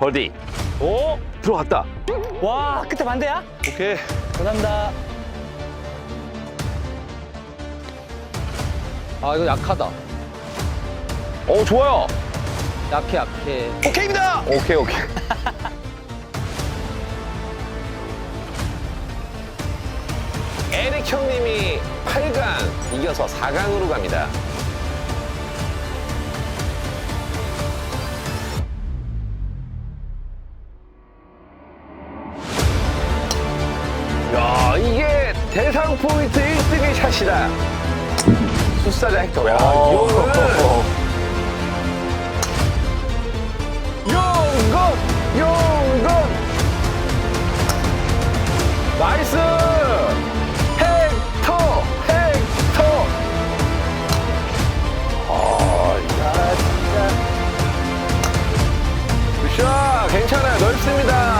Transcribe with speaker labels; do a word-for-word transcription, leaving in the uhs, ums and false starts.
Speaker 1: 버디.
Speaker 2: 오!
Speaker 1: 들어갔다.
Speaker 2: 와, 끝에 반대야?
Speaker 1: 오케이.
Speaker 2: 감사합니다.
Speaker 3: 아, 이거 약하다.
Speaker 1: 오, 좋아요.
Speaker 3: 약해, 약해.
Speaker 2: 오케이입니다!
Speaker 1: 오케이, 오케이. 에릭 형님이 팔 강 이겨서 사 강으로 갑니다. 야, 이게 대상 포인트 일 등의 샷이다. 숫사자 헥터. 야, 이거는 용건! 용건! 나이스! 헥터! 헥터! 아, 야, 진짜. 굿샷! 괜찮아요. 넓습니다.